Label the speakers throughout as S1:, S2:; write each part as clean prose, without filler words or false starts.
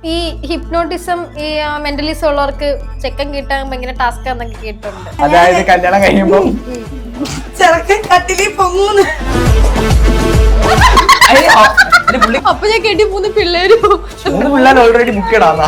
S1: ഈ ഹിപ്നോട്ടിസം ഈ മെന്റലിസം ഉള്ളവർക്ക് ചെക്കൻ കിട്ടാൻ ഭയങ്കര ടാസ്ക് ആണെന്നൊക്കെ കേട്ടിട്ടുണ്ട്.
S2: അതായത് കല്യാണം കഴിയുമ്പോ
S3: ചെറുക്കൻ കട്ടിലി പൊങ്ങൂന്ന്.
S1: അപ്പൊ ഞാൻ കേട്ടി 3 പിള്ളേരും
S2: 3 പിള്ളേർ ഓൾറെഡി ബുക്ക് ഇടാന്നാ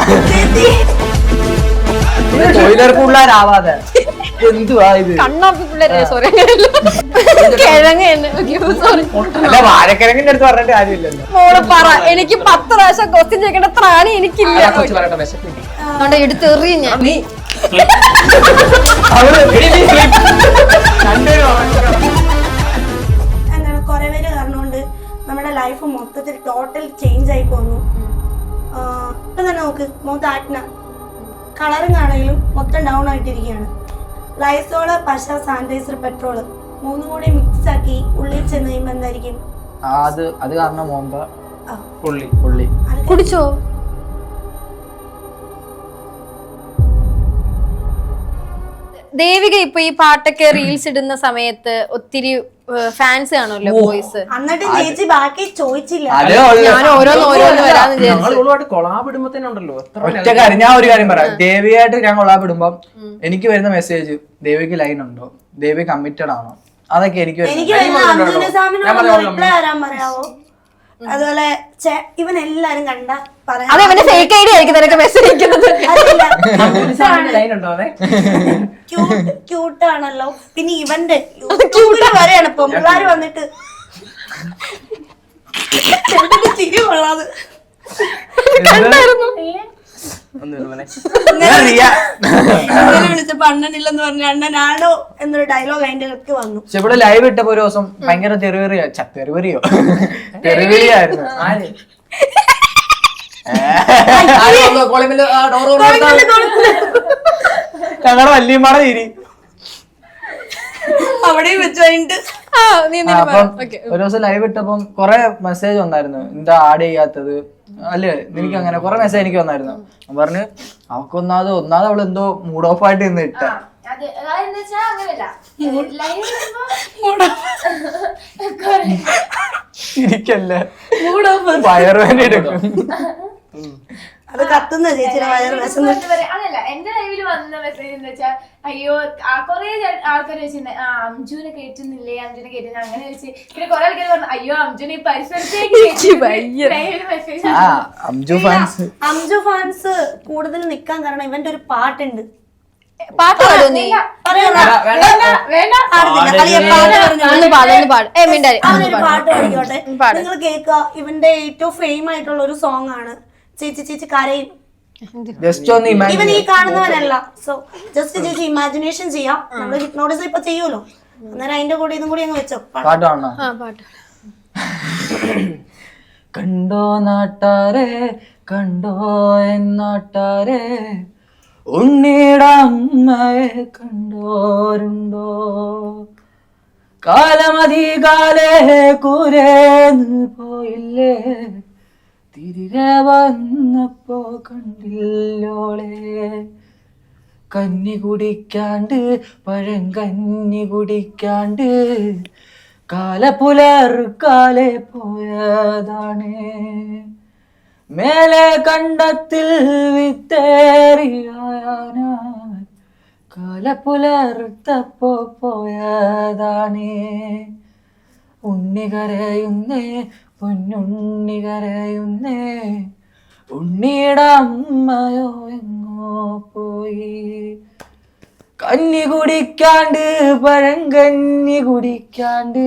S2: പിള്ളേരാവാതെ എന്തുവാ ഇത്?
S1: കണ്ണാപ്പി പിള്ളേരെ സോറി കിഴങ്ങ് സോറി
S2: അല്ല വാഴക്കിഴങ്ങിന്റെ അടുത്ത് പറഞ്ഞിട്ട് കാര്യമില്ലല്ലോ.
S1: മോള് പറ, എനിക്ക് 10 പ്രാവശ്യം ക്വസ്റ്റ്യൻ ചോദിക്കേണ്ട ത്രാണി എനിക്കില്ല. അതുകൊണ്ട് എടുത്തെറിയും ഞാൻ.
S3: എന്താണ് കുറെ പേര് കാരണമുണ്ട് നമ്മുടെ ലൈഫ് മൊത്തത്തിൽ ടോട്ടൽ ചേഞ്ച് ആയി പോന്നു. ഇപ്പൊ തന്നെ നോക്ക് ആജ്ഞ കളറിങ് ആണെങ്കിലും മൊത്തം ഡൗൺ ആയിട്ടിരിക്കുകയാണ്. ലൈസോള്, പശ, സാനിറ്റൈസർ, പെട്രോള് 3 കൂടി മിക്സ് ആക്കി ഉള്ളിൽ ചെന്ന് കഴിയുമ്പോ എന്തായിരിക്കും?
S2: അത് കാരണം മോമ്പ പുള്ളി
S1: കുടിച്ചോ? ദേവിക ഇപ്പൊ ഈ പാട്ടൊക്കെ റീൽസ് ഇടുന്ന സമയത്ത് ഒത്തിരി ഫാൻസ് കാണുമല്ലോ ബോയ്സ്.
S3: എന്നിട്ട് ചേച്ചി ബാക്കി ചോദിച്ചില്ല.
S1: ഞാൻ ഓരോന്ന് വരാന്ന് വിചാരിച്ചു.
S4: കൊളാബിടുമ്പോ
S2: ഒറ്റ കാര്യം ഞാൻ ഒരു കാര്യം പറയാം. ദേവിയായിട്ട് ഞാൻ കൊളാബിടുമ്പോ എനിക്ക് വരുന്ന മെസ്സേജ് ദേവിക്ക് ലൈൻ ഉണ്ടോ, ദേവി കമ്മിറ്റഡ് ആണോ, അതൊക്കെ എനിക്ക്
S3: റിപ്ലൈ തരാൻ പറയാവോ? അതുപോലെ ഇവൻ എല്ലാരും കണ്ട
S1: അതവന്റെ ഫേക്ക് ഐഡി ആയിരിക്കും നിനക്ക് മെസ്സേജ് അയക്കുന്നത്.
S3: ക്യൂട്ടാണല്ലോ. പിന്നെ ഇവന്റെ വരെയാണ് ഇപ്പൊ പിള്ളേര് വന്നിട്ട് ചിരി കൊള്ളാതെ വിളിച്ചപ്പോ അണ്ണനില്ലെന്ന് പറഞ്ഞ അണ്ണനാണോ എന്നൊരു ഡയലോഗ് അതിന്റെ ഇടയ്ക്ക് വന്നു.
S2: പക്ഷെ ഇവിടെ ലൈവ് ഇട്ടപ്പോ ഒരു ദിവസം ഭയങ്കര തെറിവിളിയായിരുന്നു. ഞങ്ങളുടെ വല്യമ്മയുടെ തിരി
S3: അവിടെയും വെച്ച് കഴിഞ്ഞിട്ട്
S2: അപ്പം ഒരു ദിവസം ലൈവ് ഇട്ടപ്പം കൊറേ മെസ്സേജ് വന്നായിരുന്നു, എന്താ ആഡ് ചെയ്യാത്തത് അല്ലേ, എനിക്ക് അങ്ങനെ കൊറേ മെസ്സേജ് എനിക്ക് വന്നായിരുന്നു. പറഞ്ഞ് അവക്കൊന്നാത് അവള് എന്തോ മൂഡ് ഓഫ് ആയിട്ട് നിന്ന് ഇട്ട ഇരിക്കല്ലേ വയറുവേദന എടുക്കും.
S3: അത് കത്തുന്ന ചേച്ചിയുടെ വയറ്
S5: അതല്ല എന്റെ ലൈവിൽ വന്ന മെസ്സേജ് എന്ന് വെച്ചാൽ അയ്യോ കൊറേ ആൾക്കാർ വെച്ചിരുന്നേ അംജുനെ കേട്ടുന്നില്ലേ, അംജുനെ കേട്ടുന്നില്ല അങ്ങനെ വെച്ച്. പിന്നെ കൊറേ ആൾക്കാർ പറഞ്ഞു അയ്യോ അംജുനെ ഈ
S3: അംജു ഫാൻസ് കൂടുതൽ നിക്കാൻ കാരണം ഇവന്റെ ഒരു പാട്ടുണ്ട്.
S1: പാട്ട് പാടോ നീ?
S3: പാട്ട് പാടിക്കോട്ടെ, നിങ്ങൾ കേൾക്കുക. ഇവന്റെ ഏറ്റവും ഫെയിം ആയിട്ടുള്ള ഒരു സോങ് ആണ് ചേച്ചി കരയും. ഇവൻ ഈ കാണുന്നവനല്ല. സോ ജസ്റ്റ് ചേച്ചി ഇമാജിനേഷൻ ചെയ്യാം. നമ്മള് ഹിപ്നോട്ടിസം ഇപ്പൊ ചെയ്യൂലോ, അന്നേരം അതിന്റെ കൂടെ ഇതും കൂടി അങ്ങ് വെച്ചോ.
S2: കണ്ടോ നാട്ടാരെ കണ്ടോ എന്നാട്ടാരെ, ഉണ്ണിയുടെ അമ്മയെ കണ്ടോരുണ്ടോ, കാലമധികാലേ കൂരേന്ന് പോയില്ലേ, തിരികെ വന്നപ്പോ കണ്ടില്ലോളെ, കന്നി കുടിക്കാണ്ട് പഴങ്കന്നി കുടിക്കാണ്ട് കാലപ്പുലർക്കാലെ പോയതാണ്, മേലെ കണ്ടത്തിൽ വിത്തേറിയാന കാലപ്പുലർത്തപ്പോ പോയതാണ്, ഉണ്ണി കരയുന്നേ പൊന്നുണ്ണി കരയുന്നേ, ഉണ്ണിയുടെ അമ്മയോ എങ്ങോ പോയി, കന്നി കുടിക്കാണ്ട് പഴങ്കന്നി കുടിക്കാണ്ട്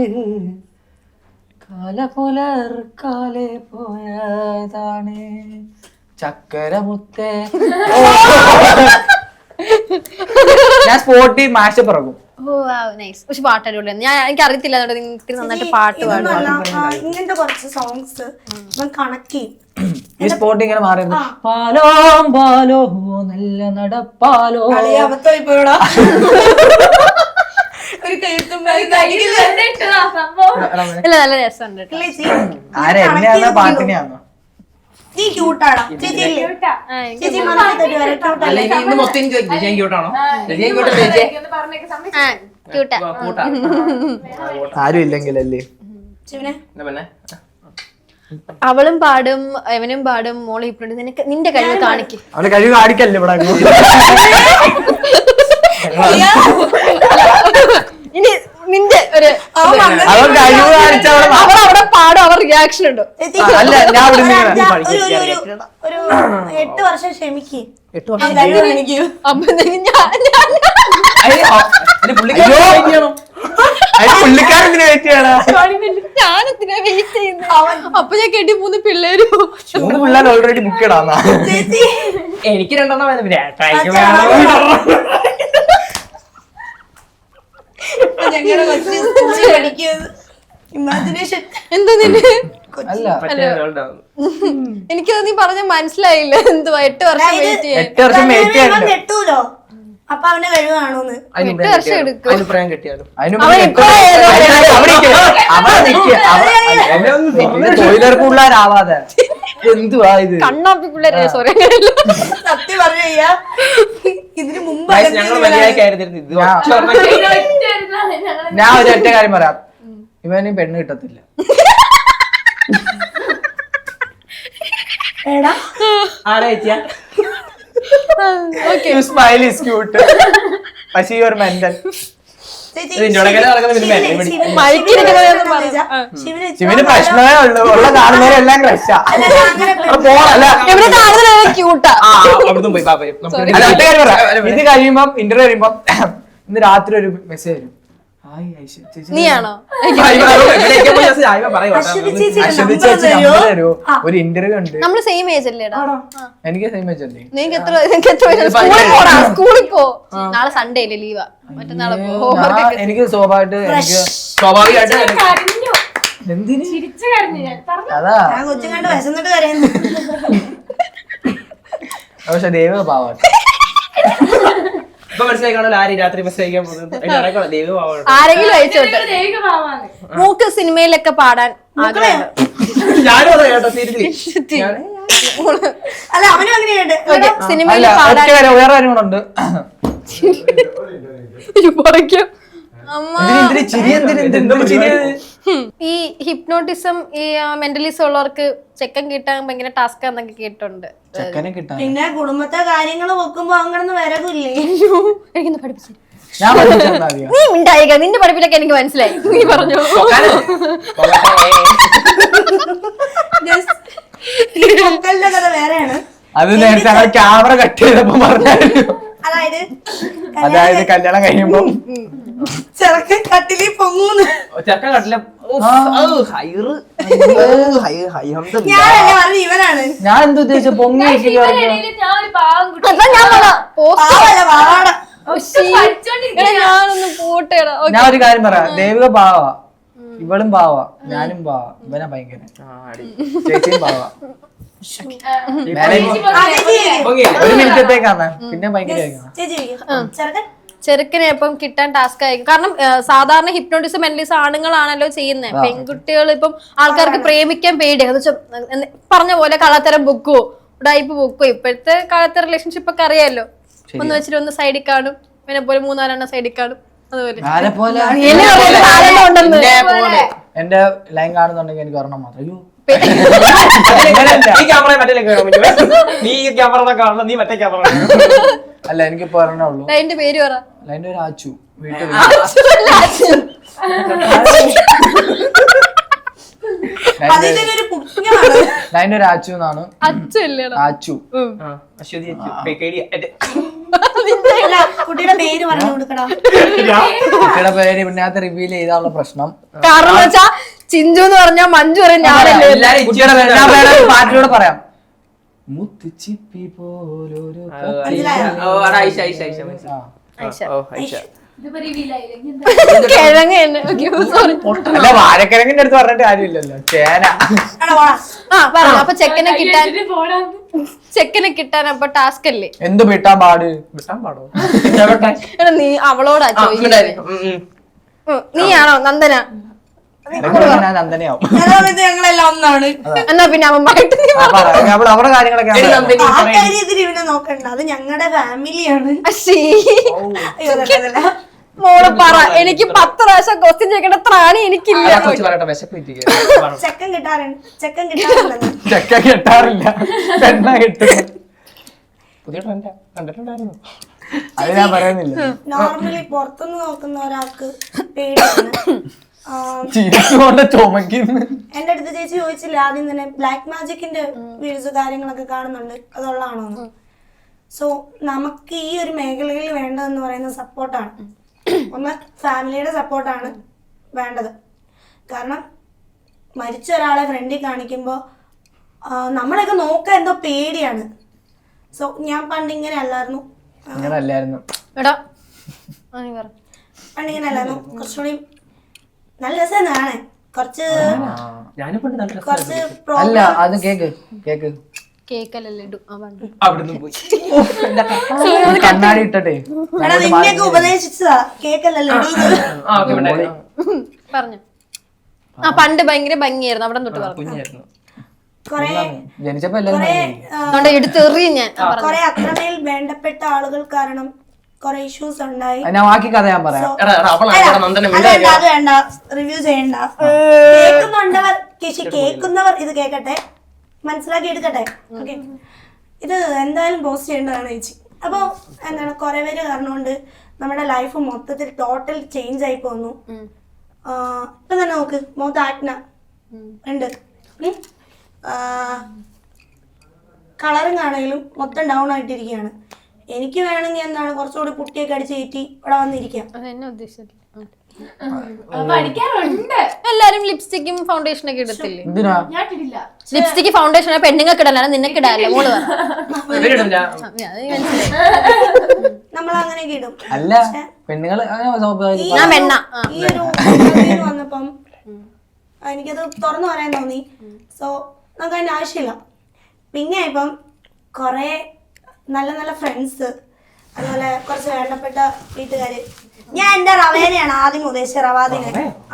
S2: കാലപ്പുലർക്കാലെ പോയതാണ്, ചക്കര മുത്തേ. ഞാൻ സ്പോട്ടിൽ മാഷപ്പ് ഇറങ്ങും.
S1: പക്ഷെ പാട്ട് അടിപൊളിയാണ്. എനിക്ക് അറിയത്തില്ല നന്നായിട്ട് പാട്ട് പാടും.
S3: ഇങ്ങനത്തെ കുറച്ച് സോങ്സ് കണക്ട് ചെയ്യും.
S2: ഈ സ്പോട്ട് ഇങ്ങനെ മാറിയിരുന്നു. പാലോ പാലോ നല്ല നടപ്പാലോ
S1: നല്ല രസമുണ്ട്.
S2: ആരെ എന്നെയാണോ പാട്ടിനെയാണോ?
S3: നീ ക്യൂട്ടാടാ ചേച്ചി. ചേച്ചി
S2: ആരും ഇല്ലെങ്കിലല്ലേ.
S1: അവളും പാടും അവനും പാടും മോള് ഹിപ്നോട്ടിസം നിനക്ക് നിന്റെ കഴിവ് കാണിക്കും.
S2: അവന്റെ കഴിവ് കാണിക്കല്ലേ ഇവിടെ
S1: ഇനി നിന്റെ ഒരു
S2: അവൻ കഴിവ് കാണിച്ചവിടെ
S1: അവർ അവിടെ പാടും അവർ റിയാക്ഷൻ ഉണ്ട്.
S2: അല്ല ഞാൻ ഇവിടെ
S3: ഒരു 8 വർഷം ക്ഷമിക്ക്.
S2: 8 വർഷം
S1: അപ്പൊ
S2: പുള്ളിക്കാരത്തിന് വെയിറ്റ് ചെയ്യണം.
S1: ഞാനെന്തിനാ വെയിറ്റ് ചെയ്യുന്നത്? അപ്പൊ ഞാൻ കേട്ടി 3 പിള്ളേരും
S2: 3 പിള്ളേർ ഓൾറെഡി ബുക്ക് ഇടാന്നാ.
S3: ചേച്ചി
S4: എനിക്ക് 2
S3: ഞങ്ങളുടെ കൊച്ചു പഠിക്കുന്നത് ഇമാജിനേഷൻ
S1: എന്താ നിന്റെ
S2: അല്ല
S1: എനിക്കത് നീ പറഞ്ഞ മനസ്സിലായില്ല. എന്തുവാ 8 വർഷം വെയിറ്റ് ചെയ്യാൻ?
S2: 8 വർഷം വെയിറ്റ് ചെയ്യണ്ട.
S3: കെട്ടൂലോ അപ്പൊ അവന്റെ കഴിവ് കാണൂന്ന്.
S1: 8 വർഷം എടുക്കും.
S4: പ്രായം കിട്ടിയാലും
S2: ടോയ്ലർ പിള്ളേരാവാതെ എന്തുവാ ഇത്?
S1: കണ്ണാപ്പി പിള്ളേരെ സോറി
S3: സത്യം പറഞ്ഞു കഴിഞ്ഞാ ഇതിന് മുമ്പ്
S4: ഞങ്ങൾ മര്യാദക്കായിരുന്നു ഇത്
S2: ഞാൻ ഒരു ഒറ്റ കാര്യം പറയാം, ഇവന് പെണ്ണ് കിട്ടത്തില്ല.
S3: എടാ
S4: ആരാ ചേച്ചിയാ
S1: ഓക്കെ.
S2: സ്മൈൽ ഈസ് ക്യൂട്ട് പക്ഷേ യു ആർ മെന്റൽ. ശിവന് പ്രശ്നമേ ഉള്ളൂ, ഉള്ള കാണുന്നവരെല്ലാം ക്രഷാ.
S1: എവിടെ കാണുന്നത് ക്യൂട്ടാ.
S4: പോയി പാപ്പയും
S2: അല്ല, ഒറ്റ കാര്യം പറയാം, ഇത് കഴിയുമ്പം ഇന്റർവ്യൂ കഴിയുമ്പം ഇന്ന് രാത്രി ഒരു മെസ്സേജ് വരും, ഹായ് ഐഷ ചേച്ചി.
S1: നീയാണോ?
S2: ഒരു ഇന്റർവ്യൂ ഉണ്ട്.
S1: നമ്മള് സെയിം ഏജ് അല്ലേടാ?
S2: എനിക്ക് സെയിം ഏജ് അല്ലേ?
S1: നിനക്ക് എത്ര സ്കൂളിൽ പോടാ, സ്കൂളിൽ പോ. നാളെ സൺഡേ അല്ലേ, ലീവാ. മറ്റന്നാളെ പോ.
S2: എനിക്ക് സ്വാഭാവികമായിട്ട് എനിക്ക്
S4: സ്വാഭാവികമായിട്ട്
S2: എന്തിന്
S5: ചിരിച്ചു കരഞ്ഞു ഞാൻ പറഞ്ഞു.
S2: അതാ.
S3: ഞാൻ കൊച്ചും കണ്ട് വിശന്നിട്ട് കരയുന്നു.
S2: പക്ഷെ ദൈവ പാവാണ്.
S4: ഇപ്പൊ മനസ്സിലാക്കണല്ലോ ആര് രാത്രി മെസ്സേജ് അയക്കാൻ പോകുന്നത്. ദൈവം
S1: ആരെങ്കിലും അയച്ചോട്ടെ.
S5: ദൈവിക ഭാവമാണ്.
S1: മൂക്ക് സിനിമയിലൊക്കെ പാടാൻ ആഗ്രഹമുണ്ട്.
S4: ഞാനും അതെ കേട്ടോ, സീരിയസ്ലി
S3: അല്ല അവനും അങ്ങനെയുണ്ട്.
S1: ഓക്കെ, സിനിമയിൽ
S2: അല്ല,
S1: പാടാൻ
S2: ഒറ്റ കാര്യം വേറെ കാര്യം കൂടെ ഉണ്ട്.
S1: ഈ ഹിപ്നോട്ടിസം ഈ മെന്റലിസം ഉള്ളവർക്ക് ചെക്കൻ കിട്ടാൻ ഭയങ്കര ടാസ്ക് എന്നൊക്കെ കേട്ടിട്ടുണ്ട്.
S2: ചെക്കനെ കിട്ടാൻ
S3: പിന്നെ കുടുംബത്തെ കാര്യങ്ങൾ വെക്കുമ്പോ അങ്ങനെ വരവില്ലേ?
S1: എനിക്കൊന്ന് പഠിപ്പിച്ചു.
S2: ഞാൻ പഠിപ്പിച്ചെന്നാ മതിയോ?
S1: നീ മിണ്ടായിക, നിന്റെ പഠിപ്പിലൊക്കെ എനിക്ക് മനസ്സിലായി. നീ പറഞ്ഞു.
S3: മക്കളുടെ കഥ വേറെയാണ്.
S2: അത് നേരത്തെ ഞങ്ങൾ ക്യാമറ കട്ട് ചെയ്തപ്പോ പറഞ്ഞായിരുന്നു. അതായത് കല്യാണം കഴിയുമ്പോ
S3: ചെറുക്കൻ കട്ടിലിൽ പൊങ്ങൂന്ന്.
S4: ചെക്കൻ കട്ടില
S3: ഞാനല്ലേ പറഞ്ഞു ഇവനാണ്.
S2: ഞാൻ എന്ത് ഉദ്ദേശിച്ച പൊങ്ങി
S5: ഇടയില് ഞാൻ ഒരു പാവം കുട്ടി
S1: അതാ ഞാൻ പറഞ്ഞ പോസ്റ്റ്.
S3: പാവല്ല പാവാട.
S1: എടാ, ഞാനൊന്ന് പോട്ടേടാ.
S2: ഞാൻ ഒരു കാര്യം പറയാം, ദേവിക പാവ, ഇവളും പാവ, ഞാനും പാവ, ഇവനാ ഭയങ്കര, ചേച്ചിയും പാവ. ഒരു മിനിറ്റത്തേക്കാണ് പിന്നെ ഭയങ്കര
S3: ചേച്ചി ചെറുക്കൻ
S1: ചെറുക്കനെ ഇപ്പം കിട്ടാൻ ടാസ്ക് ആയിരിക്കും. കാരണം സാധാരണ ഹിപ്നോട്ടിസം മെന്റലിസം ആണുങ്ങളാണല്ലോ ചെയ്യുന്നത്. പെൺകുട്ടികൾ ഇപ്പം ആൾക്കാർക്ക് പ്രേമിക്കാൻ പേടിയാണ്. പറഞ്ഞ പോലെ കള്ളത്തരം ബുക്കോ ഉടായ്പ ബുക്കോ. ഇപ്പോഴത്തെ കാലത്തെ റിലേഷൻഷിപ്പ് ഒക്കെ അറിയാലോ, ഒന്ന് വെച്ചിട്ട് ഒന്ന് സൈഡിൽ കാണും, പിന്നെ പോലെ 3-4 സൈഡിൽ കാണും. അതുപോലെ
S2: എന്റെ ലൈൻ കാണുന്നുണ്ടെങ്കിൽ എനിക്ക് ഒരെണ്ണം മാത്രം. അയ്യോ
S4: നീ ക്യാമറ കാണണം, നീ മറ്റേ ക്യാമറ.
S2: അല്ല, എനിക്കിപ്പോ ഒരെണ്ണേ ഉള്ളൂ.
S1: ലൈൻ്റെ പേര് പറ.
S2: ലൈൻ്റെ ഒരു ആച്ചു വീട്ടിൽ.
S3: അതിന്റെ ഒരു കുഞ്ഞാണ്.
S2: ലൈൻ്റെ ഒരു ആച്ചു എന്നാണ്.
S1: അച്ചു അല്ലേടാ?
S2: ആച്ചു.
S4: അശ്വതി
S3: അല്ല, കുട്ടിയുടെ പേര് പറഞ്ഞു കൊടുക്കടാ.
S2: കുട്ടിയുടെ പേര് പിന്നകത്ത് റിവീൽ ചെയ്താനുള്ള പ്രശ്നം.
S1: കാരണം എന്ന് വെച്ചാ ചിഞ്ചു എന്ന് പറഞ്ഞാ മഞ്ജു പറയും ഞാനല്ലേ.
S2: കുട്ടിയുടെ പേര് ഞാൻ വേറെ പാട്ടിലൂടെ പറയാം. മുത്തുച്ചിപ്പി പോലൊരു
S5: ഇതിപ്പോ റിവീൽ ആയില്ലെങ്കിൽ
S1: കിഴങ്ങ് തന്നെ. സോറി.
S2: അല്ല, വാഴക്കിഴങ്ങിന്റെ അടുത്ത് പറഞ്ഞിട്ട് കാര്യമില്ലല്ലോ, ചേന.
S1: ആ പറഞ്ഞു. അപ്പൊ ചെക്കനെ കിട്ടാൻ
S5: പോടാന്ന്.
S1: ചെക്കനെ കിട്ടാൻ അപ്പൊ ടാസ്ക് അല്ലേ?
S2: എന്ത് വിട്ടാൻ പാട്? വിട്ടാൻ പാടോ?
S1: എടാ, നീ അവളോടാ ചോദിക്കുന്നത്. നീയാണോ നന്ദന?
S2: ഞാൻ നന്ദനയാവും.
S3: ഞങ്ങളെല്ലാം ഒന്നാണ്.
S1: എന്നാ പിന്നെ അവന്മാരായിട്ട് നീ
S2: അവരുടെ കാര്യങ്ങളൊക്കെ
S3: ആ കാര്യത്തിൽ ഇവനെ നോക്കണ്ട, അത് ഞങ്ങളുടെ ഫാമിലിയാണ്.
S1: അശ്ശീ.
S3: അയ്യോ, അതല്ല.
S1: മോള് പറ, എനിക്ക് 10 പ്രാവശ്യം ക്വസ്റ്റ്യൻ ചോദിക്കേണ്ട ത്രാണി എനിക്കില്ല.
S4: കൊച്ചു പറയട്ടെ വിശപ്പ്
S3: ചെക്കൻ കിട്ടാറുണ്ടെന്ന്.
S2: ചെക്ക കെട്ടാറില്ല, പെണ്ണ കെട്ടുക.
S4: പുതിയ ട്രെൻഡാ, കണ്ടിട്ടുണ്ടായിരുന്നു.
S2: അത് ഞാൻ പറയുന്നില്ല.
S3: നോർമലി പുറത്തുനിന്ന് നോക്കുന്ന ഒരാൾക്ക് പേടിയാണ്.
S2: ചിരിച്ചുകൊണ്ട് ചുമക്കുന്നു.
S3: എന്റെ അടുത്ത് ചേച്ചി ചോദിച്ചില്ല ആദ്യം തന്നെ ബ്ലാക്ക് മാജിക്കിന്റെ വീഡിയോസ് കാര്യങ്ങളൊക്കെ കാണുന്നുണ്ട്, അതുള്ളതാണോ? സോ നമുക്ക് ഈ ഒരു മേഖലയിൽ വേണ്ടതെന്ന് പറയുന്നത് സപ്പോർട്ടാണ്. ഒന്ന് ഫാമിലിയുടെ സപ്പോർട്ടാണ് വേണ്ടത്. കാരണം മരിച്ച ഒരാളെ ഫ്രണ്ടിൽ കാണിക്കുമ്പോൾ നമ്മളൊക്കെ നോക്കാൻ എന്തോ പേടിയാണ്. സോ ഞാൻ പണ്ടിങ്ങനെ അല്ലായിരുന്നു,
S2: അങ്ങനെ അല്ലായിരുന്നു.
S1: എടാ
S3: പണ്ടിങ്ങനെ അല്ലായിരുന്നു. കുറച്ചുകൂടി നല്ല രസമാണ്. കുറച്ച്
S2: അല്ല അത് കേക്ക് കേക്ക്
S1: കേക്കല്ലേ ഇടും.
S4: അവിടുന്ന് പോയി
S2: കണ്ണാടി ഇട്ടട്ടെ
S3: നിന്നെയൊക്കെ ഉപദേശിച്ചതാ കേക്കല്ലല്ലോ
S1: പറഞ്ഞു. ആ പണ്ട് ഭയങ്കര ഭംഗിയായിരുന്നു, അവിടെ തൊട്ട് പറഞ്ഞു.
S4: കുഞ്ഞായിരുന്നു.
S3: കൊറേ
S2: ജനിച്ചപ്പോ എല്ലാരും
S1: അതുകൊണ്ട് എടുത്തെറിയും ഞാൻ.
S3: കൊറേ അത്രമേൽ വേണ്ടപ്പെട്ട ആളുകൾ കാരണം കൊറേ ഇഷ്യൂസ് ഉണ്ടായി.
S2: ഞാൻ ബാക്കി കഥ ഞാൻ പറയാം.
S3: അത് വേണ്ട, റിവ്യൂ ചെയ്യണ്ട. കേൾക്കുന്നവർ ഇത് കേക്കട്ടെ, മനസ്സിലാക്കി എടുക്കട്ടെ. ഓക്കെ, ഇത് എന്തായാലും പോസ്റ്റ് ചെയ്യേണ്ടതാണ് ചേച്ചി. അപ്പോൾ എന്താണ് കുറെ പേര് കാരണം കൊണ്ട് നമ്മുടെ ലൈഫ് മൊത്തത്തിൽ ടോട്ടൽ ചേഞ്ച് ആയി പോന്നു. ഇപ്പൊ തന്നെ നോക്ക്, മുഖത്ത് ആക്ന ഉണ്ട്, കളറും ആണെങ്കിലും മൊത്തം ഡൗൺ ആയിട്ടിരിക്കുകയാണ്. എനിക്ക് വേണമെങ്കിൽ എന്താണ് കുറച്ചുകൂടി പുട്ടിയൊക്കെ അടിച്ച് കയറ്റി ഇവിടെ വന്നിരിക്കാം.
S1: അതെന്നെ ഉദ്ദേശിച്ചില്ല.
S5: പഠിക്കാറുണ്ട്.
S1: എല്ലാരും ലിപ്സ്റ്റിക്കും ഫൗണ്ടേഷൻ ഒക്കെ ഇടത്തില്ലേ?
S2: എന്തിനാ
S5: ഞാൻ ഇട്ടിട്ടില്ല.
S1: ലിപ്സ്റ്റിക് ഫൗണ്ടേഷൻ പെണ്ണുങ്ങൾക്ക് ഇടലാണ്, നിനക്ക് ഇടാല്ലേ മോള് പറ.
S3: നമ്മൾ അങ്ങനെയൊക്കെ ഇടും.
S2: അല്ല പെണ്ണുങ്ങള്
S1: ഞാൻ പെണ്ണ.
S3: ഈ ഒരു വന്നപ്പം എനിക്കത് തുറന്നു പറയാൻ തോന്നി. സോ നമുക്ക് അതിന്റെ ആവശ്യമില്ല. പിന്നെ ഇപ്പം കുറെ നല്ല നല്ല ഫ്രണ്ട്സ്, അതുപോലെ കുറച്ച് വേണ്ടപ്പെട്ട വീട്ടുകാര്. ഞാൻ എന്റെ റവേനെയാണ് ആദ്യം ഉദ്ദേശിച്ച റവാദിനെ.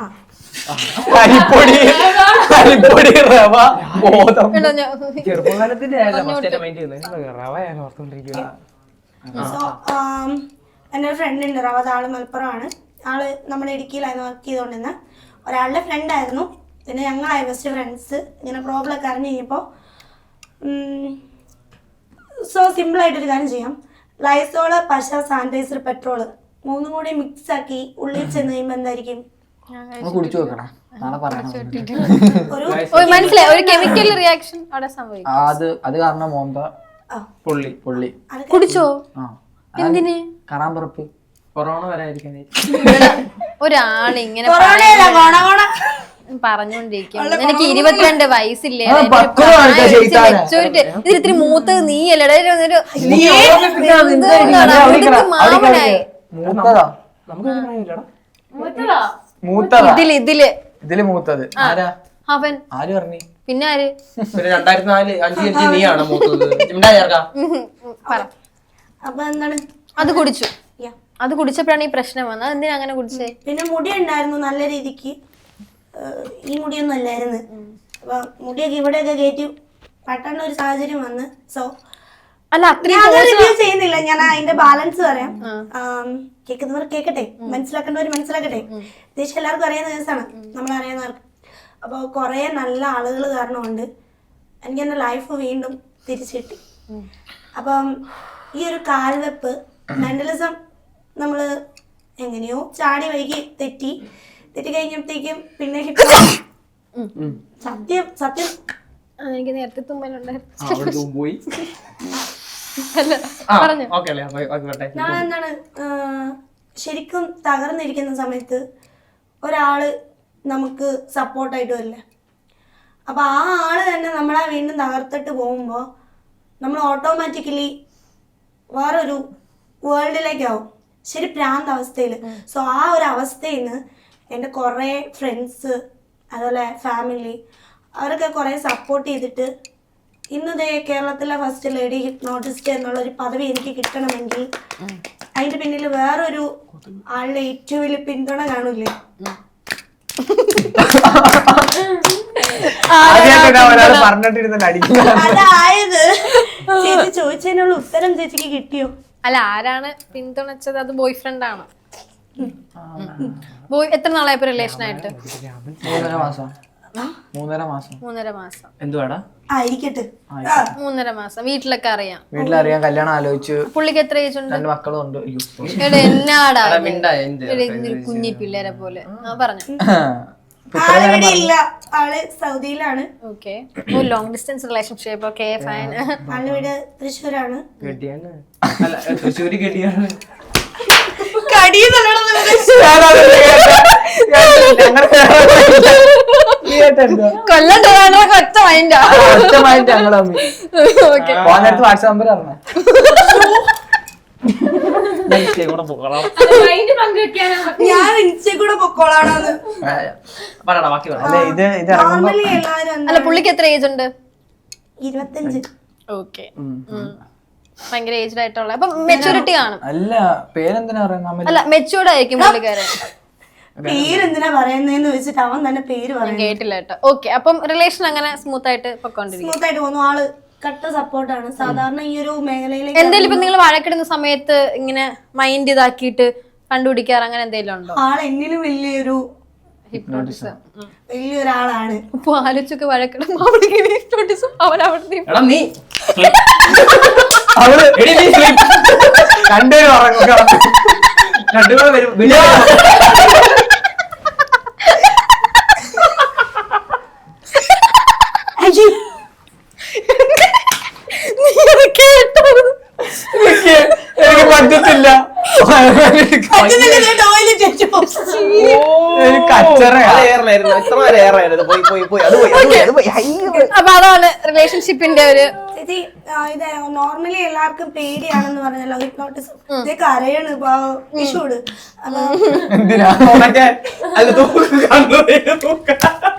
S4: ചെറുപ്പകാലത്തിന്റെ റവയാണ് ഓർത്തോണ്ടിരിക്കുക.
S3: സോ എൻ്റെ ഒരു ഫ്രണ്ട് ഉണ്ട് റവാദ്, ആള് മലപ്പുറമാണ്. ആള് നമ്മുടെ ഇടുക്കിയിലായിരുന്നു വർക്ക് ചെയ്തുകൊണ്ടിരുന്ന ഒരാളുടെ ഫ്രണ്ടായിരുന്നു. പിന്നെ ഞങ്ങളായി ബെസ്റ്റ് ഫ്രണ്ട്സ്. ഇങ്ങനെ പ്രോബ്ലം ഒക്കെ അറിഞ്ഞു കഴിഞ്ഞപ്പോൾ സോ സിമ്പിളായിട്ടൊരു കാര്യം ചെയ്യാം. ലൈസോള്, പശ, സാനിറ്റൈസർ, പെട്രോള് മൂന്നും കൂടി മിക്സ് ആക്കി ഉള്ളിൽ ചെന്ന് കഴിയുമ്പോൾ എന്തായിരിക്കും?
S2: കുടിച്ചു നോക്കണം, നാളെ പറയണം.
S1: മനസ്സിലായി, ഒരു കെമിക്കൽ റിയാക്ഷൻ അവിടെ സംഭവിക്കും.
S2: അത് കാരണം മോന്ത
S4: പുള്ളി
S2: പുള്ളി
S1: കുടിച്ചോ? എന്തിന്?
S2: കറാമ്പറപ്പ്
S4: കൊറോണ വരാതിരിക്കാൻ
S1: ഒരാളിങ്ങനെ പറഞ്ഞോണ്ടിരിക്കും. എനിക്ക് 22 വയസ്സില്ലേ, ഇതിൽ ഇത്തിരി മൂത്തത് നീയല്ലേ? മാമനായി
S2: ഇതില് മൂത്തത് ആരാ?
S1: അവൻ.
S2: ആര് പറഞ്ഞു?
S1: പിന്നെ ആര്?
S4: 2004-5 നീയാണ് മൂത്തത്.
S3: അപ്പൊ എന്താണ്
S1: അത് കുടിച്ചു. അത് കുടിച്ചപ്പോഴാണ് ഈ പ്രശ്നം വന്നത്. എന്തിനാ അങ്ങനെ കുടിച്ചേ?
S3: പിന്നെ മുടി ഉണ്ടായിരുന്നു നല്ല രീതിക്ക്, ഈ മുടിയൊന്നും അല്ലായിരുന്നു. അപ്പൊ മുടിയൊക്കെ ഇവിടെയൊക്കെ കയറ്റി പട്ടേണ്ട ഒരു സാഹചര്യം വന്ന്. സോ
S1: അല്ല
S3: റിവ്യൂ ചെയ്യുന്നില്ല, ഞാൻ അതിന്റെ ബാലൻസ് പറയാം. കേൾക്കുന്നവർ കേൾക്കട്ടെ, മനസ്സിലാക്കേണ്ടവർ മനസ്സിലാക്കട്ടെ. ദേശം എല്ലാവർക്കും അറിയുന്ന കേസാണ്, നമ്മൾ അറിയുന്നവർക്ക്. അപ്പോൾ കുറെ നല്ല ആളുകൾ കാരണമുണ്ട് എനിക്ക് എൻ്റെ ലൈഫ് വീണ്ടും തിരിച്ചു കിട്ടി. അപ്പം ഈ ഒരു കാൽവെപ്പ് മെന്റലിസം നമ്മൾ എങ്ങനെയോ ചാടി വൈകി തെറ്റി കഴിഞ്ഞപ്പോഴത്തേക്കും പിന്നെ സത്യം സത്യം
S1: എനിക്ക് നേരത്തെ തുമ്മലുണ്ടായിരുന്നു.
S3: ഞാൻ എന്താണ് ശരിക്കും തകർന്നിരിക്കുന്ന സമയത്ത് ഒരാള് നമുക്ക് സപ്പോർട്ടായിട്ട് വരില്ല. അപ്പൊ ആ ആള് തന്നെ നമ്മളെ വീണ്ടും തകർത്തിട്ട് പോകുമ്പോൾ നമ്മൾ ഓട്ടോമാറ്റിക്കലി വേറൊരു വേൾഡിലേക്കാവും, ശരി പ്രാന്ത അവസ്ഥയിൽ. സോ ആ ഒരു അവസ്ഥയിൽ നിന്ന് എൻ്റെ കുറേ ഫ്രണ്ട്സ് അതുപോലെ ഫാമിലി അവരൊക്കെ കുറേ സപ്പോർട്ട് ചെയ്തിട്ട് ഇന്നതേ കേരളത്തിലെ ഫസ്റ്റ് ലേഡി ഹിപ്നോട്ടിസ്റ്റ് എന്നുള്ളൊരു പദവി എനിക്ക് കിട്ടണമെങ്കിൽ അതിന്റെ പിന്നിൽ വേറൊരു ആളുടെ ഏറ്റവും വലിയ പിന്തുണ കാണൂലേ? അതായത് ചേച്ചി ചോദിച്ചതിനുള്ള ഉത്തരം ചേച്ചിക്ക് കിട്ടിയോ?
S1: അല്ല, ആരാണ് പിന്തുണച്ചത്? അത് ബോയ് ഫ്രണ്ട് ആണ്. ബോയ് എത്ര നാളായപ്പോ റിലേഷൻ ആയിട്ട്?
S2: 3.5 മാസം. 3.5 മാസം.
S1: 3.5 മാസം.
S4: എന്തുവാടാ?
S3: ആയിരിക്കട്ടെ.
S1: 3.5 മാസം. വീട്ടിലൊക്കെ അറിയാം.
S2: വീട്ടിലറിയാം, കല്യാണം ആലോചിച്ചു.
S1: പുള്ളിക്ക് എത്ര ഏജ് ഉണ്ട്?
S2: 2 മക്കളും ഉണ്ട്.
S1: എടാ എന്നാടാ
S4: എന്ത്
S1: കുഞ്ഞി പിള്ളേരെ പോലെ പറഞ്ഞു.
S3: ആളിവിടെ ഇല്ല, ആള് സൗദിയിലാണ്.
S1: Okay. Long distance relationship. Okay fine.
S3: ആളിവിടെ തൃശ്ശൂരാണ്.
S4: കെട്ടിയാണ്? അല്ല, തൃശ്ശൂര് കെട്ടിയാണ്.
S1: കൊല്ലം ഒറ്റ മൈൻഡാ.
S2: വാട്സാപ്പ് നമ്പർ അറിഞ്ഞ
S5: മൈൻഡ് പങ്കുവെക്കാനാ.
S3: ഞാൻ ഇൻസ്റ്റയിൽ കൂടെ പൊക്കോളാണെന്ന്.
S4: പറയടാ, ബാക്കി പറ.
S2: അല്ലെ ഇത് ഇറങ്ങുമ്പോ
S3: നോർമലി എല്ലാവരും
S1: അല്ല പുള്ളിക്ക് എത്ര ഏജ് ഉണ്ട്?
S3: 25.
S1: ഓക്കെ. ഭയങ്കര ഏജ്ഡ് ആയിട്ടുള്ള. അപ്പൊ മെച്ചൂരിറ്റി കാണും.
S2: അല്ല പേരെന്തിനാ പറയുന്നത്?
S1: അല്ല മെച്ചൂർഡ് ആയിരിക്കും പുള്ളിക്കാരൻ.
S3: പേരെന്തിനാ പറയുന്നതെന്ന് വെച്ചിട്ട് അവൻ തന്നെ പേര് പറയും.
S1: കേട്ടില്ല കേട്ടോ. ഓക്കെ. അപ്പം റിലേഷൻ അങ്ങനെ സ്മൂത്ത് ആയിട്ട് പൊക്കോണ്ടിരിക്കും.
S3: സ്മൂത്ത് ആയിട്ട് പോകുന്നു. ആള് കട്ട സപ്പോർട്ടാണ്. സാധാരണ ഈ ഒരു മേഖലയിലേക്ക്
S1: എന്തെങ്കിലും ഇപ്പൊ നിങ്ങൾ വഴക്കിടുന്ന സമയത്ത് ഇങ്ങനെ മൈൻഡ് ഇതാക്കിയിട്ട് കണ്ടുപിടിക്കാറ് അങ്ങനെ എന്തെങ്കിലും ഉണ്ടോ?
S3: ആൾ എന്നിലും വലിയൊരു
S1: ഹിപ്നോട്ടിസം.
S3: വലിയൊരാളാണ്.
S1: അപ്പൊ ആലോചിച്ചൊക്കെ വഴക്കിടുമ്പോ അവളിങ്ങനെ ഹിപ്നോട്ടിസം അവനവിടെ
S4: എടാ നീ
S2: അവള്
S4: എടി നീ sleep.
S2: രണ്ടുപേരും ഉറങ്ങുക.
S4: രണ്ടുപേരും വരും. വിളി.
S2: എനിക്ക് പറ്റത്തില്ല. കച്ചറ
S4: അത് ഏറായിരുന്നു. ഇത്ര നേരം ഏറായിരുന്നു. പോയി പോയി പോയി. അത് പോയി, അത് പോയി, അത് പോയി. അയ്യോ.
S1: അപ്പൊ അതാണ് റിലേഷൻഷിപ്പിന്റെ ഒരു
S3: ചേച്ചി ഇത് നോർമലി എല്ലാവർക്കും പേടിയാണെന്ന് പറഞ്ഞല്ലോ ഹിപ്നോട്ടിസം. ഇതൊക്കെ അറിയണ് വിഷുട്. അപ്പൊ
S2: എന്തിനാ
S4: ഉണക്കെ. അല്ല, തൂക്ക് കണ്ണു തൂക്ക.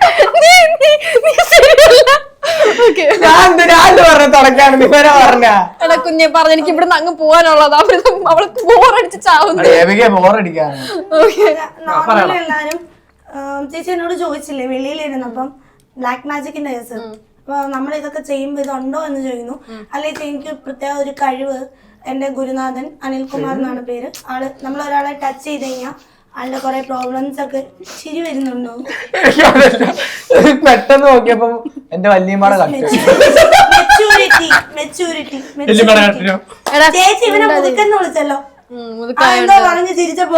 S2: ഞാൻ പറഞ്ഞ തുടക്കാണ് ഇവരെ പറഞ്ഞ
S1: എടാ കുഞ്ഞെ പറഞ്ഞ എനിക്ക് ഇവിടുന്ന് അങ്ങ് പോവാനുള്ളതാ. അവൾക്ക് ബോറടിച്ച് ചാവുന്നു.
S2: ബോറടിക്കാണ്.
S3: നോർമലി എല്ലാരും ചേച്ചി എന്നോട് ചോദിച്ചില്ലേ വെളിയിലിരുന്നപ്പം ബ്ലാക്ക് മാജിക്കിന്റെ കേസ്. അപ്പൊ നമ്മൾ ഇതൊക്കെ ചെയ്യുമ്പോ ഇതുണ്ടോ എന്ന് ചോദിക്കുന്നു. അല്ലെങ്കിൽ എനിക്ക് പ്രത്യേക ഒരു കഴിവ് എന്റെ ഗുരുനാഥൻ അനിൽകുമാർ എന്നാണ് പേര്. ആള് നമ്മൾ ഒരാളെ ടച്ച് ചെയ്ത് കഴിഞ്ഞാൽ ആളുടെ കുറെ പ്രോബ്ലംസ് ഒക്കെ ശരി വരുന്നുണ്ടോ?
S2: പെട്ടെന്ന് നോക്കിയപ്പോ എന്റെ വല്യമ്മയുടെ
S3: മെച്ചൂരിറ്റി മെച്ചൂരിറ്റി ചേച്ചി ഇവനെ മുതുക്കെന്ന് വിളിച്ചല്ലോ. എന്തോ പറഞ്ഞു ചിരിച്ചപ്പോ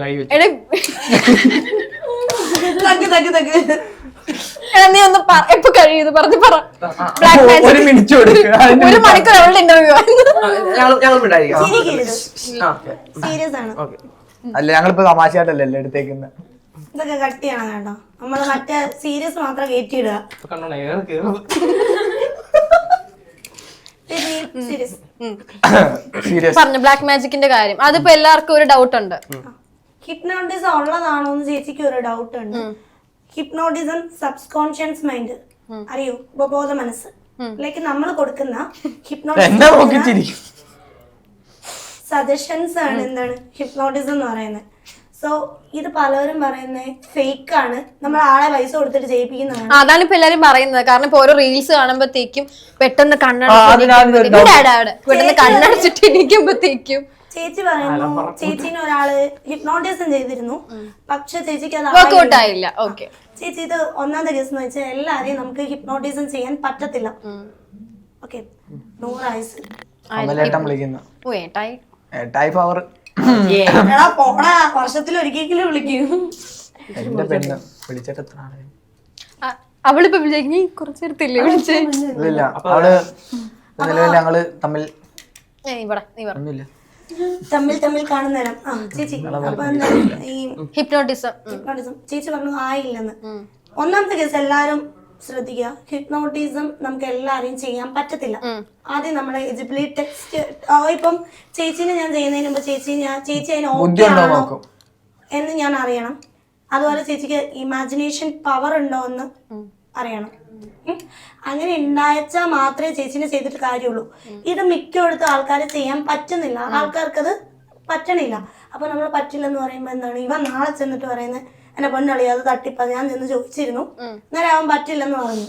S1: നീ ഒന്ന് എപ്പൊ കഴിയുന്നു പറഞ്ഞു പറ. ബ്ലാക്ക് മാജിക്
S2: 1 മിനിറ്റ് കൊടുക്കുക.
S1: 1 മണിക്കൂർ അവളുടെ ഇന്റർവ്യൂ.
S3: സീരിയസ് ആണ്.
S2: അല്ല ഞങ്ങളിപ്പോ തമാശയായിട്ടല്ലേ എടുത്തേക്കുന്നത്.
S3: ഇതൊക്കെ കട്ട് ചെയ്യണം കേട്ടോ. നമ്മള് മറ്റേ സീരിയസ് മാത്രം കയറ്റിയിടുക.
S2: സീരിയസ്
S1: പറഞ്ഞു ബ്ലാക്ക് മാജിക്കിന്റെ കാര്യം. അതിപ്പോ എല്ലാവർക്കും ഒരു ഡൗട്ട് ഉണ്ട്.
S3: ഹിപ്നോട്ടിസം ഉള്ളതാണോ എന്ന് ചേച്ചിക്ക് ഒരു ഡൗട്ട് ഉണ്ട്. ഹിപ്നോട്ടിസം സബ്കോൺഷ്യസ് മൈൻഡ് അറിയോ? ഉപബോധ മനസ്സ് ലൈക്ക് നമ്മൾ കൊടുക്കുന്ന ഹിപ്നോട്ടിസം സജഷൻസ് ആണ് എന്താണ് ഹിപ്നോട്ടിസം എന്ന് പറയുന്നത്. സോ ഇത് പലരും പറയുന്നത് ഫേക്ക് ആണ്, നമ്മൾ ആളെ പൈസ കൊടുത്തിട്ട് ചെയ്യിപ്പിക്കുന്നതാണ്.
S1: അതാണ് ഇപ്പൊ എല്ലാരും പറയുന്നത്. കാരണം ഇപ്പൊ ഓരോ റീൽസ് കാണുമ്പോഴത്തേക്കും പെട്ടെന്ന് കണ്ണടച്ചിട്ട് ഇരിക്കുമ്പോഴത്തേക്കും
S3: ചേച്ചി പറയുന്നു ചേച്ചിനെ ഒരാള് ഹിപ്നോട്ടിസം ചെയ്തിരുന്നു, പക്ഷെ ചേച്ചിക്ക് അത്
S1: വർക്ക്ഔട്ട് ആയില്ല. ഓക്കെ
S3: ചേച്ചി ഇത് ഒന്നാമത്തെ കേസ് എന്ന് വെച്ചാൽ എല്ലാരെയും നമുക്ക് ഹിപ്നോട്ടിസം ചെയ്യാൻ പറ്റത്തില്ല. ഓക്കെ 100 ആയുസ്
S2: അമലേട്ടൻ വിളിക്കുന്നു.
S1: ഓ ഏട്ടായി
S2: ഏട്ടായി പവർ.
S3: എടാ പോടാ, വർഷത്തിൽ ഒരിക്കലും വിളിക്കും.
S2: എന്റെ പെണ്ണ് വിളിച്ചിട്ട് എത്ര ആളെ
S1: അവളിപ്പോ വിളിച്ചു കുറച്ചു നേരത്തില്ലേ വിളിച്ചേ?
S2: ഇല്ല അവള് നിലവിൽ ഞങ്ങള് തമ്മിൽ ഒന്നുമില്ല.
S3: തമ്മിൽ കാണുന്നേരം ചേച്ചി അപ്പൊ ഈ
S1: ഹിപ്നോട്ടിസം
S3: ചേച്ചി പറഞ്ഞു ആയില്ലെന്ന്. ഒന്നാമത്തെ കേസ് എല്ലാരും ശ്രദ്ധിക്കുക, ഹിപ്നോട്ടിസം നമുക്ക് എല്ലാരെയും ചെയ്യാൻ പറ്റത്തില്ല. ആദ്യം നമ്മുടെ എലിജിബിലിറ്റി ടെസ്റ്റ്. ഇപ്പം ചേച്ചിനെ ഞാൻ ചെയ്യുന്നതിന് മുമ്പ് ചേച്ചി അതിന് ഓക്കെ ആണോ എന്ന് ഞാൻ അറിയണം. അതുപോലെ ചേച്ചിക്ക് ഇമാജിനേഷൻ പവർ ഉണ്ടോ എന്ന് അറിയണം. അങ്ങനെ ഉണ്ടായച്ചാൽ മാത്രമേ ചേച്ചിനെ ചെയ്തിട്ട് കാര്യമുള്ളൂ. ഇത് മിക്കയിടത്തും ആൾക്കാരെ ചെയ്യാൻ പറ്റുന്നില്ല, ആൾക്കാർക്കത് പറ്റണില്ല. അപ്പൊ നമ്മൾ പറ്റില്ലെന്ന് പറയുമ്പോ എന്താണ് ഇവൻ നാളെ ചെന്നിട്ട് പറയുന്നത് എന്നെ പെണ്ണളി അത് തട്ടിപ്പ. ഞാൻ ചെന്ന് ചോദിച്ചിരുന്നു, നേരെ അവൻ പറ്റില്ലെന്ന് പറഞ്ഞു.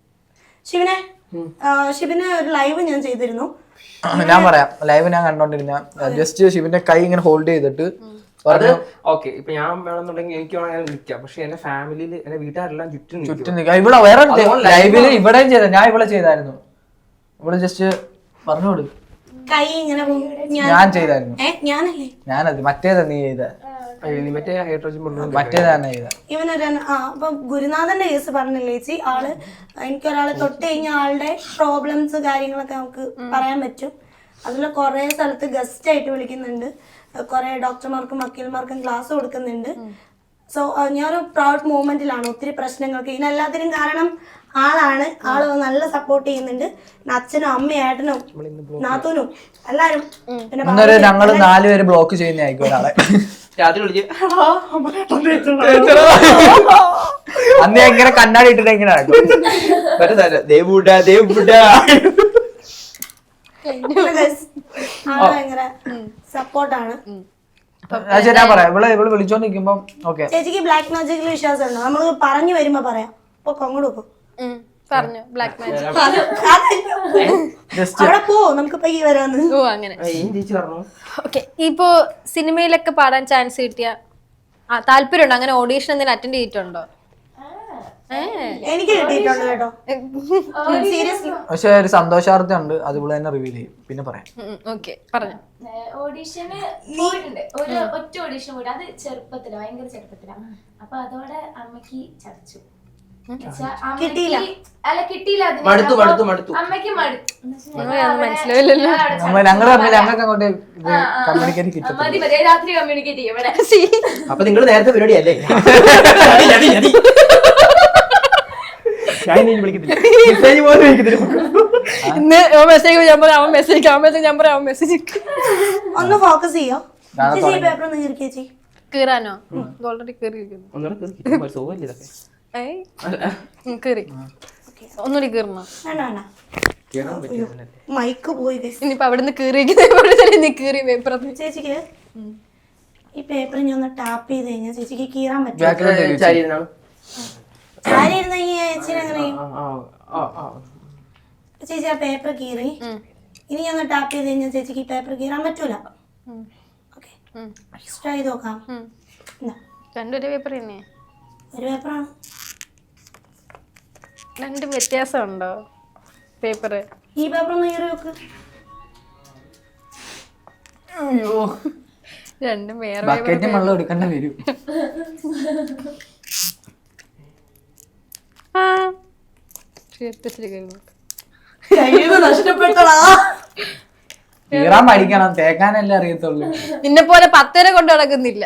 S3: ഷിബിനെ ഒരു ലൈവ് ഞാൻ ചെയ്തിരുന്നു.
S2: ഞാൻ പറയാം, ലൈവ് ഞാൻ കണ്ടോണ്ടിരുന്ന ജസ്റ്റ് ഷിബിന്റെ കൈ ഇങ്ങനെ ഹോൾഡ് ചെയ്തിട്ട്
S4: അത് ഓക്കെ. ഇപ്പൊ ഞാൻ വേണമെന്നുണ്ടെങ്കിൽ എനിക്ക് വേണമെങ്കിൽ നിൽക്കാം, പക്ഷെ എന്റെ ഫാമിലിയിൽ എന്റെ വീട്ടുകാരെല്ലാം ചുറ്റും
S2: ചുറ്റും നിൽക്കാം. ഇവിടെ വേറെ ലൈവില് ഇവിടെയും ചെയ്ത, ഞാൻ ഇവിടെ ചെയ്തായിരുന്നു. ഇവിടെ ജസ്റ്റ് പറഞ്ഞോട്
S3: കൈ ഇങ്ങനെ
S2: ഞാൻ ചെയ്തായിരുന്നു.
S3: ഞാനല്ലേ
S2: ഞാനത് മറ്റേതാ നീ ചെയ്ത,
S4: മറ്റേ ഹൈഡ്രോജൻ
S2: മറ്റേതാ തന്നെ ചെയ്ത.
S3: ഇവനൊരു അപ്പൊ ഗുരുനാഥന്റെ കേസ് പറഞ്ഞില്ലേ ചേച്ചി, ആള് എനിക്കൊരാളെ തൊട്ട് കഴിഞ്ഞ ആളുടെ പ്രോബ്ലംസ് കാര്യങ്ങളൊക്കെ നമുക്ക് പറയാൻ പറ്റും. അതിൽ കുറെ സ്ഥലത്ത് ഗസ്റ്റ് ആയിട്ട് വിളിക്കുന്നുണ്ട്, കുറെ ഡോക്ടർമാർക്കും വക്കീൽമാർക്കും ക്ലാസ് കൊടുക്കുന്നുണ്ട്. സോ ഞാനൊരു പ്രൗഡ് മൂവ്മെന്റിലാണ്. ഒത്തിരി പ്രശ്നങ്ങൾക്ക് ഇതിനെല്ലാത്തിനും കാരണം ആളാണ്. ആള് നല്ല സപ്പോർട്ട് ചെയ്യുന്നുണ്ട്. അച്ഛനും അമ്മയും ഏട്ടനും നാത്തൂനും എല്ലാരും. പിന്നെ
S2: ഞങ്ങള് 4 പേര് ബ്ലോക്ക് ചെയ്യുന്നതായിരിക്കും ഒരാളെ.
S4: രാത്രി വിളിച്ച്
S2: അന്ന് എങ്ങനെ കണ്ണാടി ഇട്ടിട്ട് എങ്ങനെ
S3: ഭയങ്കര സപ്പോർട്ടാണ്.
S2: ഞാൻ പറയാം, ഇവള് വിളിച്ചോണ്ടിരിക്കുമ്പോ ഓക്കെ.
S3: ചേച്ചിക്ക് ബ്ലാക്ക് മാജിക്കിൽ വിശ്വാസം ഉണ്ടോ? നമ്മള് പറഞ്ഞു വരുമ്പോ പറയാം. ഇപ്പൊ കൊങ്ങോട് വെക്കും
S1: പറഞ്ഞു ബ്ലാക്ക് മാജിക്.
S3: അവിടെ പോ, നമുക്ക് പയ്യെ വരാന്ന്.
S1: ഓ അങ്ങനെ.
S4: ചേച്ചി പറഞ്ഞു
S1: ഓക്കെ. ഇപ്പോ സിനിമയിലൊക്കെ പാടാൻ ചാൻസ് കിട്ടിയ താല്പര്യമുണ്ടോ? അങ്ങനെ ഓഡീഷൻ എന്തെങ്കിലും അറ്റൻഡ് ചെയ്തിട്ടുണ്ടോ?
S3: എനിക്ക് കിട്ടിയിട്ടുണ്ട് കേട്ടോ, സീരിയസ്ലി.
S2: പക്ഷെ ഒരു സന്തോഷാർത്ഥം ഉണ്ട്, അതുപോലെ തന്നെ റിവീൽ ചെയ്യും, പിന്നെ പറയാം.
S1: ഓക്കെ പറഞ്ഞു.
S5: ഓഡീഷന് പോയിട്ടുണ്ട്, ഒറ്റ ഓഡീഷൻ പോയിട്ട്. അത് ചെറുപ്പത്തിലാ, ഭയങ്കര ചെറുപ്പത്തിലാ. അപ്പൊ അതോടെ അമ്മക്ക് ചടച്ചു.
S3: കിട്ടിയില്ല.
S5: അല്ല കിട്ടിയില്ല,
S4: മടുത്തു.
S5: അമ്മക്ക്
S1: മനസ്സിലാവില്ലല്ലോ.
S2: ഞങ്ങൾക്ക് അങ്ങോട്ട് കമ്മ്യൂണിക്കേറ്റ് കിട്ടും.
S5: മതി രാത്രി കമ്മ്യൂണിക്കേറ്റ് ചെയ്യും ഇവിടെ.
S4: അപ്പൊ നിങ്ങൾ നേരത്തെ പരിപാടി അല്ലേ?
S1: ഇന്ന് മെസ്സേജ് ഞാൻ പറയാം, അവൻ മെസ്സേജ്, അവൻ മെസ്സേജ് ഞാൻ പറയാം, അവൻ മെസ്സേജ്.
S3: ഒന്ന് ഫോക്കസ് ചെയ്യോ പേപ്പർ ഒന്ന് കീറി ചേച്ചി.
S1: കീറാനോ? ഓൾറെഡി കീറിയിരിക്കുന്നു. കീറി ഒന്നുകൂടി കീറണോ?
S3: മൈക്ക് പോയി.
S1: ഇനിയിപ്പോ അവിടുന്ന് കീറിയിരിക്കുന്ന കീറി പേപ്പർ.
S3: ചേച്ചിക്ക് ഈ പേപ്പർ ഞാൻ ഒന്ന് ടാപ്പ് ചെയ്ത് കഴിഞ്ഞാൽ ചേച്ചിക്ക് കീറാൻ പറ്റും. ചേച്ചി ചേച്ചി ആ പേപ്പർ കീറി. ഇനി ഞാൻ ഒന്ന് ടാപ്പ് ചെയ്ത് കഴിഞ്ഞാൽ ചേച്ചിക്ക് ഈ പേപ്പർ കീറാൻ പറ്റൂല. ഓക്കെ, ട്രൈ ചെയ്ത് നോക്കാം.
S1: രണ്ടൊരു പേപ്പർ തന്നെ.
S3: ഒരു പേപ്പറാണ്,
S1: രണ്ടും വ്യത്യാസമുണ്ടോ പേപ്പർ?
S3: ഈ പേപ്പർ ഒന്ന് കീറി നോക്ക്.
S2: അയ്യോ,
S1: രണ്ടും വേറെ
S2: ബക്കറ്റ് വെള്ളം എടുക്കേണ്ട വരും.
S3: നഷ്ടപ്പെട്ടടാ.
S2: കീറാൻ പഠിക്കണം, തേക്കാനല്ലേ അറിയത്തുള്ളൂ.
S1: നിന്നെ പോലെ 10 കൊണ്ട് നടക്കുന്നില്ല.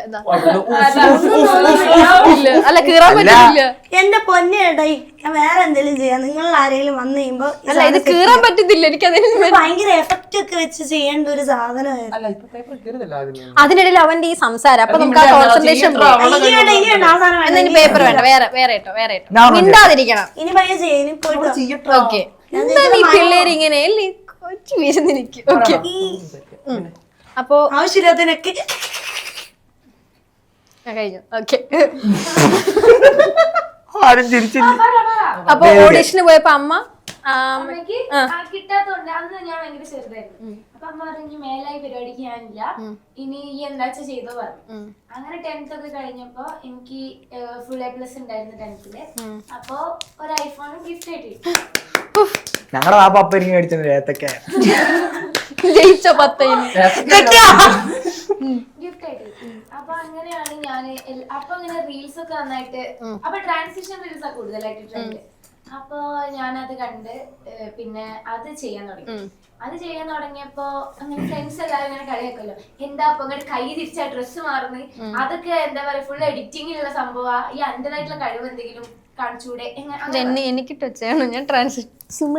S1: അല്ല കീറാൻ പറ്റില്ല.
S3: എന്റെ പൊന്നേട്ടായി, ഞാൻ വേറെ എന്തെങ്കിലും ചെയ്യാം. നിങ്ങൾ ആരെങ്കിലും വന്നു കഴിയുമ്പോ
S1: അല്ല ഇത് കീറാൻ പറ്റത്തില്ല. എനിക്ക്
S3: ഭയങ്കര എഫക്റ്റ് ഒക്കെ വെച്ച് ചെയ്യേണ്ട ഒരു സാധനമായിരുന്നു.
S1: അതിനിടയിൽ അവന്റെ ഈ സംസാരം, അപ്പൊ നമുക്ക് ആ കോൺസെൻട്രേഷൻ പേപ്പർ വേണ്ട, വേറെ ഇട്ടോ മിണ്ടാതിരിക്കണം.
S3: ഇനി പയ്യെ ചെയ്യാം, ഇനി പോയിട്ട്
S1: ഓക്കെ. എന്താ നീ പിള്ളേര് ഇങ്ങനെ കൊച്ചു വീശുന്ന എനിക്ക്. ഓക്കെ, അപ്പൊ
S3: ആവശ്യമില്ലാത്തതിനൊക്കെ
S1: കഴിഞ്ഞു. ഓക്കെ,
S2: ആരും ചിരിച്ചില്ല.
S1: അപ്പൊ ഓഡീഷന് പോയപ്പോ അമ്മ
S5: അമ്മക്ക് കിട്ടാത്തോണ്ട് അന്ന് ഞാൻ ഭയങ്കര ചെറുതായിരുന്നു. അപ്പൊ അമ്മ പറഞ്ഞു മേലായി പരിപാടിക്ക് ഞാനില്ല, ഇനി ഈ എന്താച്ച ചെയ്തോ പറഞ്ഞു. അങ്ങനെ 10th ഒക്കെ കഴിഞ്ഞപ്പോ എനിക്ക് ഫുൾ A+ ഉണ്ടായിരുന്നു 10th. അപ്പൊ ഒരു ഐഫോൺ ഗിഫ്റ്റ് ആയിട്ട് കിട്ടി.
S2: ഞങ്ങളുടെ ആ പപ്പ എനിക്ക് മേടിച്ചത് ഏത്തക്ക
S1: ജയിച്ചോ 10
S5: ഗിഫ്റ്റ് ആയിട്ട്. അപ്പൊ അങ്ങനെയാണ് ഞാൻ അപ്പൊ ഇങ്ങനെ റീൽസ് ഒക്കെ നന്നായിട്ട്, അപ്പൊ ട്രാൻസിഷൻ റീൽസ് ഒക്കെ കൂടുതലായിട്ട് ട്രെൻഡ്. അപ്പൊ ഞാനത് കണ്ട് പിന്നെ അത് ചെയ്യാൻ തുടങ്ങി. അത് ചെയ്യാൻ തുടങ്ങിയപ്പോ അങ്ങനെ ഫ്രണ്ട്സ് എല്ലാവരും ഇങ്ങനെ കളിയാക്കല്ലോ, എന്താ അപ്പൊ ഇങ്ങോട്ട് കൈ തിരിച്ചാ ഡ്രസ്സ് മാറുന്നത്, അതൊക്കെ എന്താ പറയാ ഫുൾ എഡിറ്റിങ്ങിലുള്ള സംഭവം, ഈ എന്റേതായിട്ടുള്ള കഴിവ് എന്തെങ്കിലും കാണിച്ചൂടെ?
S1: എനിക്കിട്ട് വെച്ചാണ് ഞാൻ ട്രാൻസിഷൻ.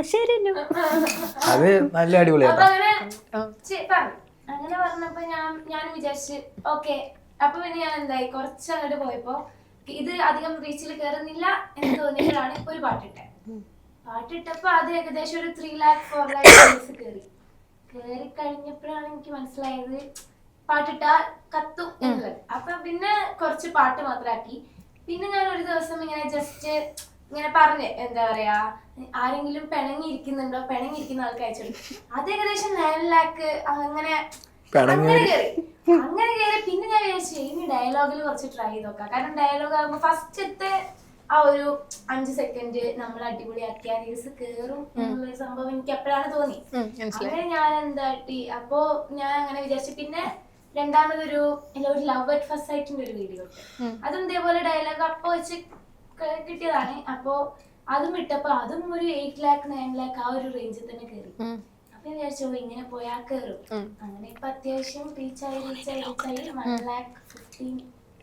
S2: അത് നല്ല അടിപൊളിയാണ്.
S5: അപ്പൊ അങ്ങനെ പറഞ്ഞപ്പോ ഞാൻ വിചാരിച്ച് ഓക്കെ. അപ്പൊ പിന്നെ ഞാൻ എന്തായി, കുറച്ച് അങ്ങോട്ട് പോയപ്പോ ഇത് അധികം റീച്ചിൽ കയറുന്നില്ല എന്ന് തോന്നിയപ്പോഴാണ് ഒരു പാട്ടിട്ടപ്പോ അത് ഏകദേശം ഒരു 3 lakh 4 lakh കയറി കഴിഞ്ഞപ്പോഴാണ് എനിക്ക് മനസ്സിലായത് പാട്ടിട്ടാ കത്തും എന്നുള്ളത്. അപ്പൊ പിന്നെ കുറച്ച് പാട്ട് മാത്രമാക്കി. പിന്നെ ഞാൻ ഒരു ദിവസം ഇങ്ങനെ ജസ്റ്റ് ഇങ്ങനെ പറഞ്ഞ് എന്താ പറയാ, ആരെങ്കിലും പിണങ്ങിയിരിക്കുന്നുണ്ടോ, പിണങ്ങിയിരിക്കുന്ന ആൾക്ക് അയച്ചു. അത് ഏകദേശം 9 lakh അങ്ങനെ അങ്ങനെ കയറി പിന്നെ ഞാൻ വിചാരിച്ചു ഇനി ഡയലോഗിൽ കുറച്ച് ട്രൈ ചെയ്ത് നോക്കാം. കാരണം ഡയലോഗ് ആകുമ്പോ ഫസ്റ്റത്തെ ആ ഒരു 5 സെക്കൻഡ് നമ്മൾ അടിപൊളിയാക്കിയ റീൽസ് കേറും എന്നുള്ളൊരു സംഭവം എനിക്ക് എപ്പോഴാണ് തോന്നി. അങ്ങനെ ഞാൻ എന്താട്ടി അപ്പോ ഞാൻ അങ്ങനെ വിചാരിച്ചു. പിന്നെ രണ്ടാമതൊരു ലവ് അറ്റ് ഫസ്റ്റ് സൈറ്റിന്റെ ഒരു വീഡിയോ അതും ഇതേപോലെ ഡയലോഗ് അപ്പൊ വെച്ച് കിട്ടിയതാണ്. അപ്പോ അതും ഇട്ടപ്പോ അതും ഒരു 8 lakh 9 lakh ആ ഒരു റേഞ്ചിൽ തന്നെ കയറി. അപ്പൊ വിചാരിച്ചു ഇങ്ങനെ പോയാ കയറും. അങ്ങനെ ഇപ്പൊ അത്യാവശ്യം റീച്ചായി 1,15,000.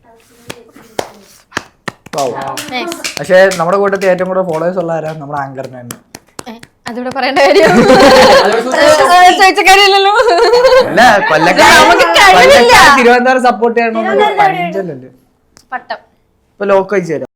S2: പക്ഷെ നമ്മുടെ കൂട്ടത്തിൽ ഏറ്റവും കൂടുതൽ ഫോളോവേഴ്സ് ഉള്ള ആരാ? നമ്മുടെ ആങ്കറിന് തന്നെ.
S1: അതിവിടെ പറയേണ്ട കാര്യം ചോദിച്ച കാര്യമില്ലല്ലോ.
S2: അല്ല കൊല്ലക്കാർ തിരുവനന്തപുരം സപ്പോർട്ട് ചെയ്യണമെന്ന് പഞ്ചല്ലേ
S1: പട്ടം
S2: ഇപ്പൊ ലോക്ക് അയച്ചു തരാം.